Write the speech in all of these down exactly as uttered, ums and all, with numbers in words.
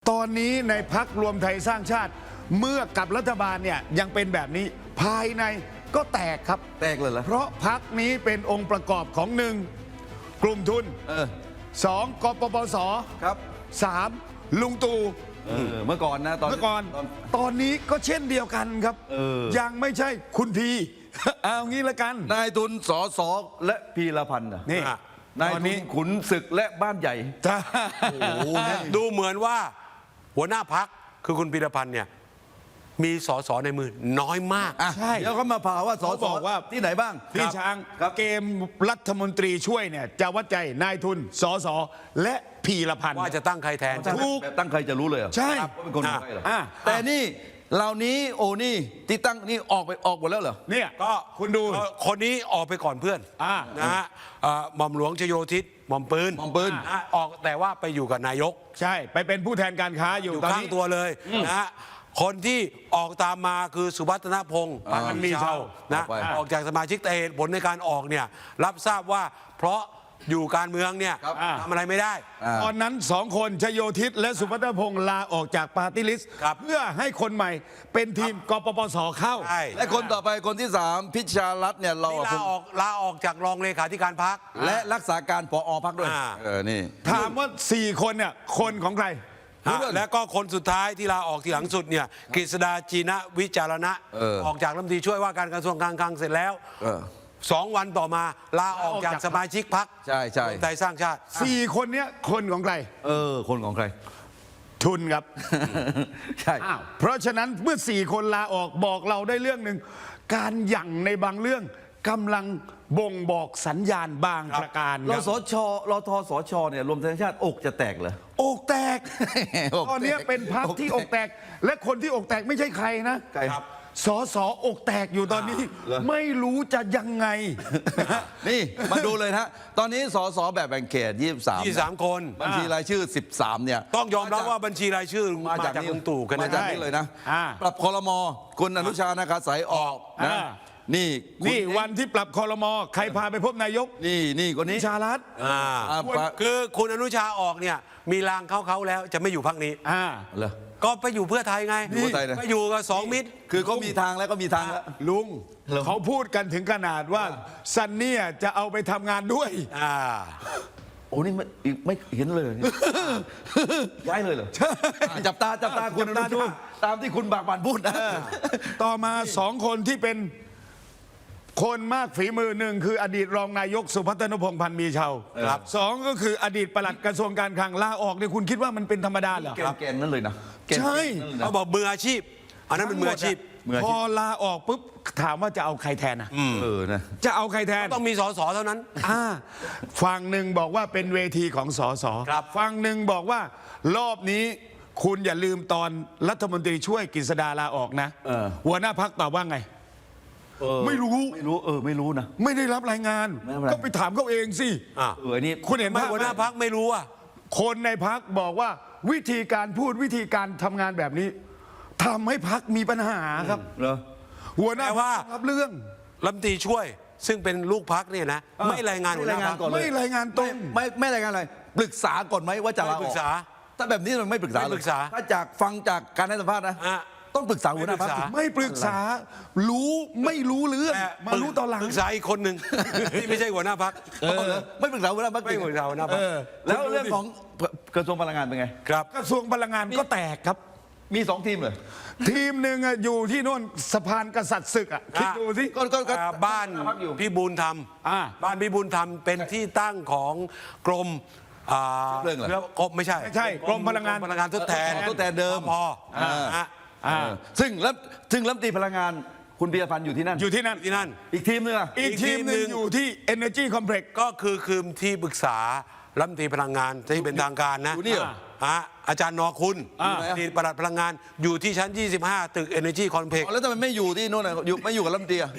ตอนนี้ในพรรครวมไทยสร้างชาติเมื่อกับรัฐบาลเนี่ยยังเป็นแบบนี้ภายในก็แตกครับแตกเลยเหรอเพราะพรรคนี้เป็นองค์ประกอบของหนึ่งกลุ่มทุนเออสองกปปสครับสามลุงตู่เออเมื่อก่อนนะตอนเมื่อก่อนตอนตอนนี้ก็เช่นเดียวกันครับเออยังไม่ใช่คุณพี เอางี้ละกันนายทุนสอสอและพีรพันธ์น่ะนี่อ่ะนายตอนทุนี้นขุนศึกและบ้านใหญ่จ้าดูเหมือนว่าหัวหน้าพักคือคุณพีรพันธ์เนี่ยมีสสในมือน้อยมากอ่ะใช่เดี๋ยวเขามาผ่าว่าสอเขาสบอกว่าที่ไหนบ้างพี่ช้างครับเกมรัฐมนตรีช่วยเนี่ยจะวัดใจนายทุนสสและพีรพันธ์ว่าจะตั้งใครแทนถูกแบบตั้งใครจะรู้เลยเหรอใช่ว่าเป็นคนของใครเหรออ่ะแต่นี่เหล่านี้โอ้นี่ที่ตั้งนี่ออกไปออกหมดแล้วเหรอเนี่ยก็คุณดูเอ่อคนนี้ออกไปก่อนเพื่อนอ่านะฮะเอ่อหม่อมหลวงชโยธิตหม่อมปืนหม่อมปืนนะฮะออกแต่ว่าไปอยู่กับนายกใช่ไปเป็นผู้แทนการค้าอยู่อยู่ตอนข้างนี้ตัวเลยนะฮะคนที่ออกตามมาคือสุวัฒนพงศ์อ่าพันมีเช่านะออกไปออกจากสมาชิกแต่เหตุผลในการออกเนี่ยรับทราบว่าเพราะอยู่การเมืองเนี่ยครับทำอะไรไม่ได้อ่าตอนนั้นสองคนชโยธิตและสุพัฒนพงศ์ลาออกจากปาร์ตี้ลิสต์ครับเพื่อให้คนใหม่เป็นทีมกปปสเข้าใช่และคนต่อไปคนที่สามพิชารัตน์เนี่ยเรานี่ลาออกลาออกจากรองเลขาธิการพักและรักษาการปอพักด้วยอ่าเออนี่ถามว่าสี่คนเนี่ยคนของใครรู้เรื่องและก็คนสุดท้ายที่ลาออกทีหลังสุดเนี่ยกฤษดาจีนะวิจารณะเออออกจากรัฐมนตรีช่วยว่าการกระทรวงการคลังเสร็จแล้วเออสองวันต่อมาลาออกจากสมาชิกพักใช่ใช่ไทยสร้างชาติสี่คนเนี้ยคนของใครเออคนของใครทุนครับใช่อ้าวเพราะฉะนั้นเมื่อสี่คนลาออกบอกเราได้เรื่องหนึ่งการหยั่งในบางเรื่องกำลังบ่งบอกสัญญาณบางประการครรับสชรทสชเนี่ยรวมไทยสร้างชาติอกจะแตกเหรออกแตกอกแตกตอนเนี้ยเป็นพักที่อกแตก และคนที่อกแตกไม่ใช่ใครนะใครครับสอสออกแตกอยู่ตอนนี้เหรอไม่รู้จะยังไงนี่มาดูเลยนะตอนนี้สสแบบแบ่งเขตยี่สิบสามยี่สิบสามคนบัญชีรายชื่อสิบสามเนี่ยต้องยอมรับว่าบัญชีรายชื่อมาจากนี่ลุงตู่กันมานะจากนี่เลยนะอ่าปรับคอรมอคุณอนุชานาคาสายออกนะอ่านี่คุณนี่วันที่ปรับคอรมอใครพาไปพบนายกนี่นี่คนนี้ชาลัดอ่าอ่าปะคือคุณอนุชาออกเนี่ยมีรางเขาเขาๆแล้วจะไม่อยู่พักนี้อ่าเหรอก็ไปอยู่เพื่อไทยไงอยู่เพื่อไทยนะไปอยู่กับสองมิตรคือเขามีทางแล้วก็มีทางแล้วลุงเหรอเขาพูดกันถึงขนาดว่าซันเนี่ยจะเอาไปทำงานด้วยอ่าโอ้นี่ไม่อีกไม่เห็นเลยเนี่ยย้ายเลยเหรออ่ะจับตาจับตาคุณอจับตานุดูชาตามที่คุณบากบันพูดนะต่อมาสองคนที่เป็นคนมากฝีมือหนึ่งคืออดีตรองนายกสุพัฒนพงษ์พันธ์มีเชาครับสองก็คืออดีตปลัดกระทรวงการคลังลาออกเนี่ยคุณคิดว่ามันเป็นธรรมดาเหรอแกนแกนนั่นเลยนะแกนใช่แกนนั่นเลยนะเขาบอกมืออาชีพ อันนั้นเป็นมืออาชีพมืออาชีพพอลาออกปุ๊บถามว่าจะเอาใครแทนอ่ะเออนะจะเอาใครแทนต้องมีสสเท่านั้นอ่าฝั่งหนึ่งบอกว่าเป็นเวทีของสสครับฝั่งหนึ่งบอกว่ารอบนี้คุณอย่าลืมตอนรัฐมนตรีช่วยกฤษดาลาออกนะเออหัวหน้าพักตอบว่าไงเออไม่รู้ไม่รู้เออไม่รู้นะไม่ได้รับรายงานไม่รับรายงานก็ไปถามเขาเองสิอ่าเอออันนี้คุณเห็นไม่ภาพหัวหน้าพักไม่รู้อ่ะคนในพักบอกว่าวิธีการพูดวิธีการทำงานแบบนี้ทำให้พักมีปัญหาครับเหรอหัวหน้าแต่พัว่ากรับเรื่องรัฐมนตรีช่วย ซึ่งไม่ลูกพักเนี่ยนะ ไม่รายงานหัวหน้าพักก่อนเลยไม่รายงานตรไม่งไม่ไม่รายงานอะไรปรึกษาก่อนไหมว่าจะลาอไม่ปรึอกกษาถ้าแบบนี้มันไม่ปรึกษาไม่ปรึกษาเลยถ้าจากฟังจากการให้สัมภาษณ์นะอ่ะต้องปรึกษาหัวหน้าพรรคไม่ปรึกษาไม่ปรึกษารู้ไม่รู้เรื่องแต่มารู้ตอนหลังปรึกษาอีกคนหนึ่ง ที่ไม่ใช่หัวหน้าพักเออไม่ปรึกษาหัวหน้าพรรคไม่ปรึกษาหัวหน้าพรรคเออแล้วเรื่องของกระทรวงพลังงานเป็นไงครับกระทรวงพลังงานก็แตกครับมีสองทีมเลยทีมหนึ่งอะอยู่ที่โน่นสะพานกษัตริย์ศึกอะคิดดูสิก็ก็ก็อ่าบ้านพักอยู่พี่บูลธรรมอ่าบ้านพี่บูลธรรมเป็นที่ตั้งของกรมอ่าเรื่องอะไรกรมไม่ใช่ไม่ใช่กรมพลังงานพลังงานทดแทนทดแทนเดิมพออ่าฮะอ่าเออซึ่งรัฐซึ่งรัฐมนตรีพลังงานคุณปียพันธ์อยู่ที่นั่นอยู่ที่นั่นที่นั่นอีกทีมนึงอ่ะอีกทีมหนึ่งอยู่ที่ Energy Complex ก็คือคืมที่ปรึกษารัฐมนตรีพลังงานที่เป็นทางการนะอยู่นี่เหรอฮะอาจารย์นอคุณอ่าอดีตปลัดพลังงานอยู่ที่ชั้น ยี่สิบห้า ตึก Energy Complex แล้วทำไมไม่อยู่ที่โน่นอ่ะอยู่ไม่อยู่กับรัฐมนตรีอ่ะ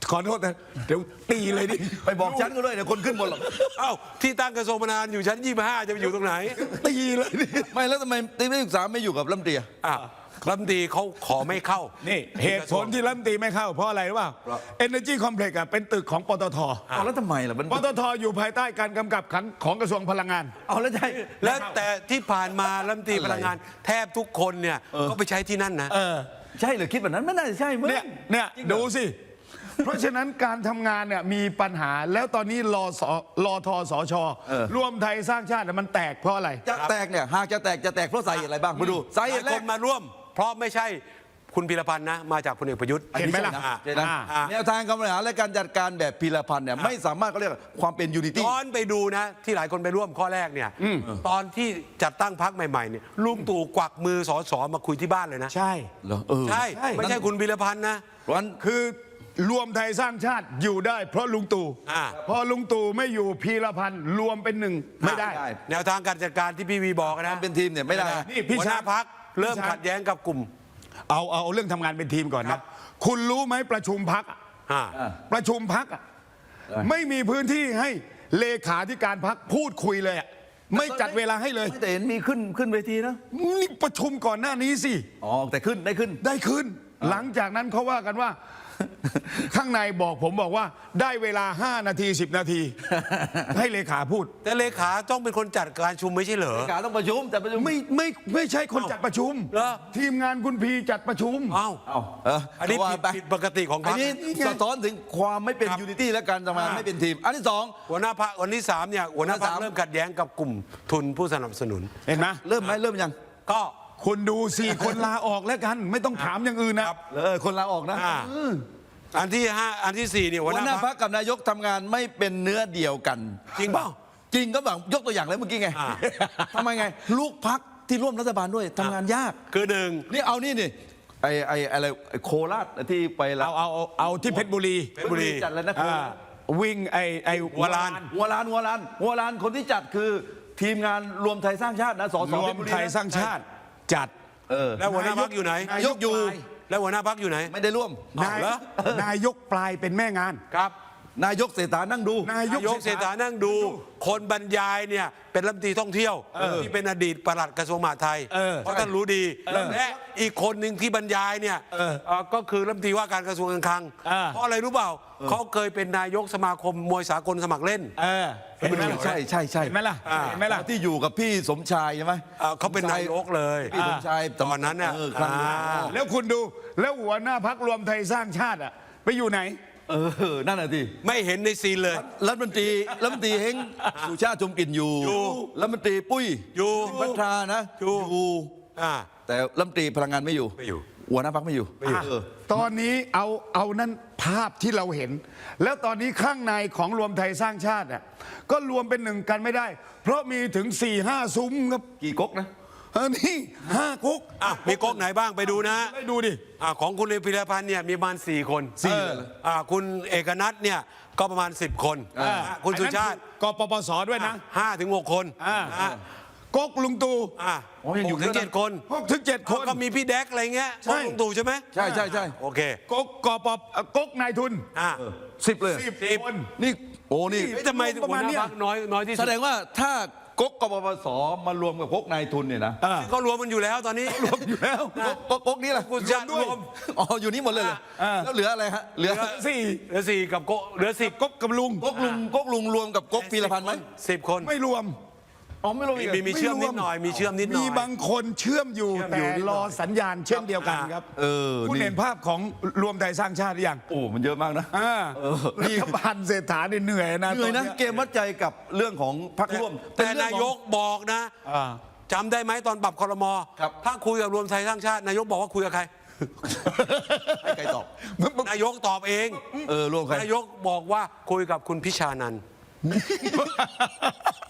ขอโทษนะเดี๋ยวตีเลยดิไปบอกฉันก็ด้วยเดี๋ยวคนขึ้นบนหรอกเอ้าที่ตั้งกระทรวงมานานอยู่ชั้นยี่สิบห้าจะไปอยู่ตรงไหนตีเลยดิไม่แล้วทำไมตีนักศึกษาไม่อยู่กับรัฐมนตรีอะอ่ะรัฐมนตรีเขาขอไม่เข้านี่เหตุผลที่รัฐมนตรีไม่เข้าเพราะอะไรรู้เปล่า Energy Complex อ่ะเป็นตึกของปตทเอาแล้วทำไมล่ะมันปตทอยู่ภายใต้การกำกับขังของกระทรวงพลังงานเอาแล้วใช่แล้วแต่ที่ผ่านมารัฐมนตรีพลังงาน แทบทุกคนเนี่ยก็ไปใช้ที่นั่นนะเออใช่เหรือคิดแบบนั้นไม่น่าจะใช่มึงเนี่ยเนี่ยดูสิ เพราะฉะนั้นการทำงานเนี่ยมีปัญหาแล้วตอนนี้รอสรอทสชรวมไทยสร้างชาติเนี่ยมันแตกเพราะอะไรจะแตกเนี่ยหากจะแตกจะแตกเพราะสาเหตุอะไรบ้างมาดูสาเหตุหแรลายกคนมาร่วม เพราะไม่ใช่คุณพีรพันธ์นะ มาจากพลเอกประยุทธ์เห็นไหมล่ะอ่ใช่นะอ่าแนวทางการบริหารและการจัดการแบบพีรพันธ์เนี่ยไม่สามารถเขาเรียกว่าความเป็นยูนิตี้ย้อนไปดูนะ ที่หลายคนไปร่วมข้อแรกเนี่ยตอนที่จัดตั้งพรรคใหม่ๆเนี่ยลุงตู่กวักมือสอสอมาคุยที่บ้านเลยนะใช่เหรอเออใช่ใช่ไม่ใช่คุณพีรพันธ์นะเพราะฉะนั้นคือรวมไทยสร้างชาติอยู่ได้ เพราะลุงตู่อ่าพอลุงตู่ไม่อยู่พีรพันธ์รวมเป็นหนึ่งไม่ได้ไม่ได้แนวทางการจัดการที่พี่วีบอกนะเป็นทีมเนี่ยไม่ได้นี่พี่หัวหน้าช้างพักเริ่มพี่ช้างขัดแย้งกับกลุ่มเอาเอาเอาเรื่องทำงานเป็นทีมก่อนครันะบคุณรู้ไหมประชุมพักอ่าประชุมพักไม่มีพื้นที่ให้เลขาธิการพักพูดคุยเลยอะไม่จัดเวลาให้เลยไม่แต่เห็นมีขึ้นขึ้นเวทีนะนี่ประชุมก่อนหน้านี้สิอ๋อแต่ขึ้นได้ขึ้นได้ขึ้น หลังจากนั้นเขาว่ากันว่า ข้างในบอกผมบอกว่าได้เวลา ห้า นาที สิบ นาที ให้เลขาพูดแต่เลขาต้องเป็นคนจัดการชุมไม่ใช่เหรอเลขาต้องประชุมแต่ประชุมไม่ไม่ไม่ใช่คนจัดประชุมเหรอทีมงานคุณพีจัดประชุมเอ้าเอาเอออันนี้ว่าผิดไปผิดปกติของพอัรนรคนี้นี่ไงสะท้อนถึงความไม่เป็นครับยูนิตี้และการทำงานอ่าไม่เป็นทีม อันที่สองหัวหน้าพักวันที่สามเนี่ยหัวหน้าพักหัวหน้าสามเริ่มขัดแย้งกับกลุ่มทุนผู้สนับสนุนเห็นไหมเริ่มไหมเริ่มยังก็คุณดูสี่คนลาออกแล้วกัน ไม่ต้องถามอย่างอื่นนะเออคนลาออกนะอ่าอันที่ห้าอันที่สี่เนี่ยหัหัววหน้าหน้าพัพักกกับนายกทำงานไม่เป็นเนื้อเดียวกันจริงเปล่าจริงก็แบบยกตัวอย่างเลยเมื่อกี้ไงอ่าทำไมไง ลูกพักที่ร่วมรัฐบาลด้วยทำงานยากคือหนึ่งนี่เอานี่นี่ไอไออะไรไอ้โคราชที่ไปละเอาเอาเอาเอาที่เพชรบุรีเพชรบุรีจัดแล้วนะอ่าวิ่งไอไอหัวลานหัวลานหัวลานหัวลานคนที่จัดคือทีมงานรวมไทยสร้างชาตินะสสรวเพมชบุไทยนะสร้างชาติจัดเออแล้วหัวหน้าพักอยู่ไหนนายกอยู่แล้วหัวหน้าพักอยู่ไหนไม่ได้ร่วมนายเหรอนายกปลายเป็นแม่งานครับนายกเศรษฐานั่งดูนายกนายกเศรษฐานั่งดู คนบรรยายเนี่ยเป็นรัฐมนตรีท่องเที่ยวที่เป็นอดีตปลัดกระทรวงมหาดไทยเออเพราะท่านรู้ดีและอีกคนหนึ่งที่บรรยายเนี่ยเออเอ่อก็คือรัฐมนตรีว่าการกระทรวงการคลังเออเพราะอะไรรู้เปล่าเขาเคยเป็นนายกสมาคมมวยสากลสมัครเล่นเออเห็นไหมล่ะใช่ใช่ใช่เห็นไหมล่ะอ่าเห็นไหมล่ะที่อยู่กับพี่สมชายใช่ไหมเอ่อเขาเป็นนายกเลยพี่สมชายตอนนั้นเนี่ยเออครั้งนั้นอ่าแล้วคุณดูแล้วหัวหน้าพักรวมไทยสร้างชาติอะไปอยู่ไหนเออนั่นน่ะทีไม่เห็นในซีนเลยรัฐมนตรีรัฐมนตรีเฮงสุชาติชมกลิ่นอยู่อยู่รัฐมนตรีปุ้ยอยู่พัทรานะอยู่อยู่อ่าแต่รัฐมนตรีพลังงานไม่อยู่ไม่อยู่หัวหน้าพักไม่อยู่อ่ะเออตอนนี้เอาเอานั่นภาพที่เราเห็น แล้วตอนนี้ข้างในของรวมไทยสร้างชาติอ่ะก็รวมเป็นหนึ่งกันไม่ได้ เพราะมีถึง4ี่ห้าซุ้มครับกี่ก๊กนะเออนี่ห้ากุ๊กอ่ะมีก๊กไหนบ้างไปดูนะไปดูดิอ่าของคุณเอพิรพันธ์เนี่ยมีประมาณสี่คนสี่เอออ่าคุณเอกนัทเนี่ยก็ประมาณสิบคนอ่าอ่าคุณสุชาติกปปสด้วยนะห้าถึงหกคนอ่าอ่าก๊กลุงตู่อ่าอ๋อยังอยู่หกถึงเยอะนะเจ็ดคนหกถึงเจ็ดคนก็มีพี่แดกอะไรเงี้ยใช่ของลุงตู่ใช่ไหมใช่ใช่ใช่โอเคก๊กกปปก๊กนายทุนอ่าสิบเลยสิบสิบคนนี่โอ้นี่เฮ้ยทำไมประหัวมาณหน้าเนี้ยพักน้อยน้อยที่แสสุดดงว่าถ้าก๊กกปปสมารวมกับก๊กนายทุนเนี่ยนะอ่าก็รวมมันอยู่แล้วตอนนี้รวมอยู่แล้วก๊กก๊กก๊กนี่แหละคุณชาติรวมอ๋ออยู่นี่หมดเลยเหรออ่าแล้วเหลืออะไรฮะเหลือสี่เหลือสี่กับโกเหลือสิบก๊กกับลุงก๊กลุงก๊กลุงรวมกับก๊กพีรพันธ์ไหมสิบคนไม่รวมอ๋อไม่รวมมีอีกเหรอมีมีเชื่อมนิดหน่อยมีเชื่อมนิดหน่อยมีบางคนเชื่อมอยู่เชื่อมอยู่แต่นิดหน่รออย สัญญาณเช่นเดียวกันครับเออคุณนี่เห็นภาพของรวมไทยสร้างชาติหรือยังโอ้มันเยอะมากนะอ่าเออรัฐบาลเศรษฐาเนี่ยเหนื่อยนะเหนื่อยนะตเกมวัดใจกับเรื่องของพรรคร่วมแต่เป็เรื่นาองยของกบอกนะอ่าจำได้ไหมตอนปรับคอรมอครับถ้าคุยกับรวมไทยสร้างชาติ นายกบอกว่าคุยกับใครให้ใครตอบนายกตอบเองเออรวมใครนายกบอกว่าคุยกับคุณพิชานันท์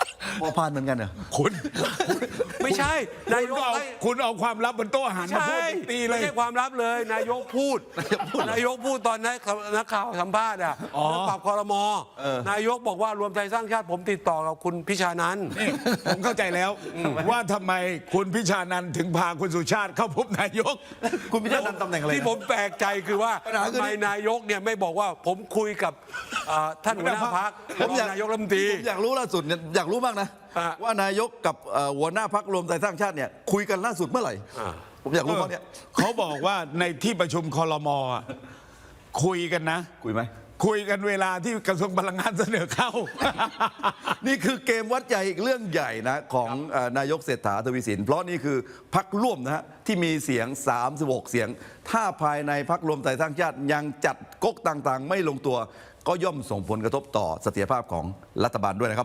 พอพานเหมือนกันเหรอคุณไม่ใช่นานาย ยกกเอาให้คุณเอาความลับบนโต๊ะอาหารมาพูใช่ดตีเลไม่ยใช่ความลับเลย นายกพูด นายกพูดตอนนักนักข่าวสัมภาษณ์อ่ะอ๋อเรื่องปรับคอรมอนายกบอกว่ารวมไทยสร้างชาติผมติดต่อกับคุณพิชานันท์นี่ผมเข้าใจแล้วว่าทำไมคุณพิชานันท์ถึงพาคุณสุชาติเข้าพบนายกคุณพิชานันท์ตำแหน่งอะไรนะที่ผมแปลกใจคือว่าปัญหาคือทำไมนายกเนี่ยไม่บอกว่าผมคุยกับอ่าท่านหัวหน้าพรรคผมอยากนายกรัฐมนตรีผมอยากรู้ล่าสุดเนี่ยอยากรู้มากนะอ่ะว่านายกกับเอ่อหัวหน้าพักรวมไทยสร้างชาติเนี่ยคุยกันล่าสุดเมื่อไหร่อ่าผมอยากรู้เพราะเนี่ยเขาบอกว่าในที่ประชุมคอรมอ่ะคุยกันนะคุยไหมคุยกันเวลาที่กระทรวงพลังงานเสนอเข้านี่คือเกมวัดใจอีกเรื่องใหญ่นะของเอ่อนายกเศรษฐาทวีสินเพราะนี่คือพักร่วมนะฮะที่มีเสียงสามสิบหกเสียง ถ้าภายในพักรวมไทยสร้างชาติยังจัดก๊กต่างๆ ไม่ลงตัว ก็ย่อมส่งผลกระทบต่อเสถียรภาพของรัฐบาลด้วยนะครับ